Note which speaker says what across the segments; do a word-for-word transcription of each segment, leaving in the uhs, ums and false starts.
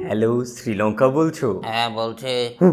Speaker 1: Hello, Sri Lanka বলছো?
Speaker 2: হ্যাঁ বলছে।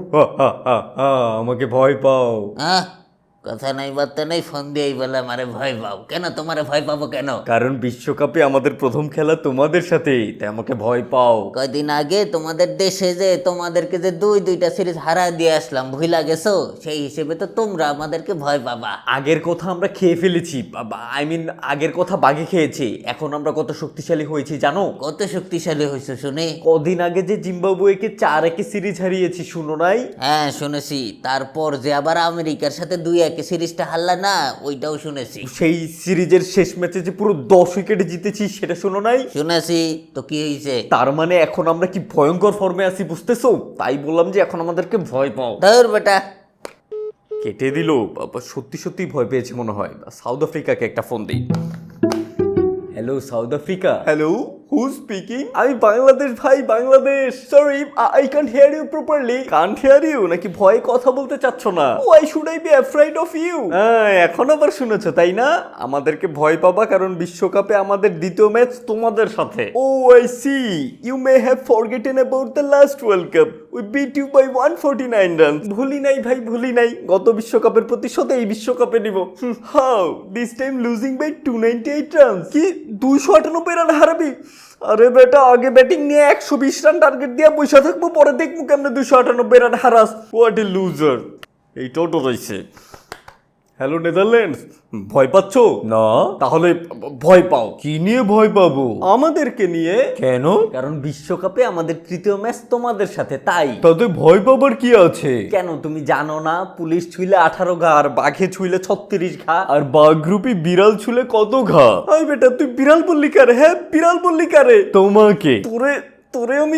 Speaker 1: আমাকে ভয় পাও?
Speaker 2: হ্যাঁ, কথা নাই বার্তা নেই, ফোন দিয়েই বলে আমারে ভয় পাও কেন? তোমারে ভয় পাবো কেন?
Speaker 1: কারণ বিশ্বকাপে আমাদের প্রথম খেলা তোমাদের সাথেই, তাই আমাকে ভয় পাও।
Speaker 2: কয়দিন আগে তোমাদের দেশে যে তোমাদেরকে যে দুই দুইটা সিরিজ হারা দিয়ে আসলাম, ভুলা গেছো? সেই হিসেবে তো তোমরা আমাদেরকে ভয় পাবা।
Speaker 1: আগের কথা আমরা খেয়ে ফেলেছি, আই মিন আগের কথা বাগে খেয়েছি। এখন আমরা কত শক্তিশালী হয়েছি জানো?
Speaker 2: কত শক্তিশালী হয়েছে শুনে?
Speaker 1: কদিন আগে যে জিম্বাবুয়েকে চার একে সিরিজ হারিয়েছি, শুনো নাই?
Speaker 2: হ্যাঁ শুনেছি। তারপর যে আবার আমেরিকার সাথে দুই একে সিরিজটা হারলা না, ওইটাও শুনেছি।
Speaker 1: সেই সিরিজের শেষ ম্যাচে যে পুরো দশ উইকেটে জিতেছি, সেটা শুনো নাই?
Speaker 2: শুনেছি। তো কি হয়েছে?
Speaker 1: তার মানে এখন আমরা কি ভয়ঙ্কর ফর্মে আছি, বুঝতেছো? তাই বললাম যে এখন আমাদেরকে ভয় পাও।
Speaker 2: ধর বেটা।
Speaker 1: কেটে দিল। বাবা, সত্যি সত্যি ভয় পেয়েছে মনে হয়। সাউথ আফ্রিকাকে একটা ফোন দিই। Hello South Africa. Hello, who speaking? আমি বাংলাদেশ ভাই, Bangladesh. Sorry, I can't hear you properly. Can't hear you নাকি ভয়ে কথা বলতে চাচ্ছ না? Why should I be afraid of you? হ্যাঁ, এখন আবার শুনেছো তাই না? আমাদেরকে ভয় পাবা কারণ বিশ্বকাপে আমাদের দ্বিতীয় ম্যাচ তোমাদের সাথে। Oh I see, you may have forgotten about the last world cup. We beat you by one forty nine run. ভুলি নাই ভাই, ভুলি নাই। গত বিশ্বকাপের প্রতিশোধ এই বিশ্বকাপে নিব। How this time losing by two ninety eight run. কি দুইশো আটানব্বই রান হারাবি? আরে বেটা, আগে ব্যাটিং নিয়ে একশো বিশ রান টার্গেট দিয়ে বসে থাকবো, পরে দেখবো কেমনে দুইশো আটানব্বই রান হারাস। What a loser. এই টোটো রয়েছে। হ্যালো নেদারল্যান্ডস, ভয় পাচ্ছ না? তাহলে ভয় পাও। কি নিয়ে ভয় পাবো? আমাদেরকে নিয়ে। কেন? কারণ বিশ্বকাপে আমাদের তৃতীয় ম্যাচ তোমাদের সাথে, তাই। তাতে ভয় পাবার কি আছে? কেন তুমি জানো না? পুলিশ ছুইলে আঠারো ঘা আর বাঘে ছুইলে ছত্রিশ ঘা, আর বাঘ রূপী বিড়াল ছুলে কত ঘা? আই বেটা, তুই বিড়াল বললি কারে? হ্যাঁ, বিড়াল বললি কারে? তোমাকে। তোরে তোরে আমি।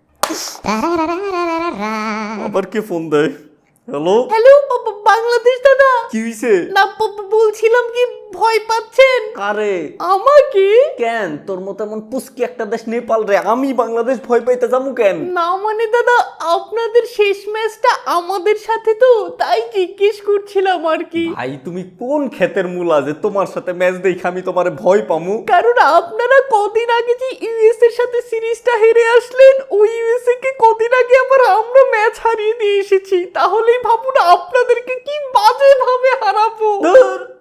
Speaker 1: আবার কে ফোন দেয়? হ্যালো
Speaker 3: হ্যালো, বাংলাদেশ দাদা।
Speaker 1: কি হইছে?
Speaker 3: না, বলছিলাম কি ভয় পাচ্ছেন?
Speaker 1: কারে?
Speaker 3: আমাকে?
Speaker 1: কেন? তোর মতো এমন পুস্কি একটা দেশ নেপাল রে, আমি বাংলাদেশ ভয় পাইতে যাবো কেন?
Speaker 3: না মানে দাদা, আপনাদের শেষ ম্যাচটা আমাদের সাথে তো, তাই জিজ্ঞেস করছিলাম আর কি।
Speaker 1: ভাই তুমি কোন ক্ষেতের মূলা যে তোমার সাথে ম্যাচ দেখে আমি তোমারে ভয় পামু?
Speaker 3: কারণ আপনারা কদিন আগে যে ইউএস এর সাথে সিরিজটা হেরে আসলেন, ওই ইউএসএ কে কদিন আগে আবার আমরা ম্যাচ হারিয়ে দিয়ে এসেছি। তাহলেই ভাবুন আপনাদেরকে কি বাজে ভাবে হারাবো।
Speaker 1: ধুর,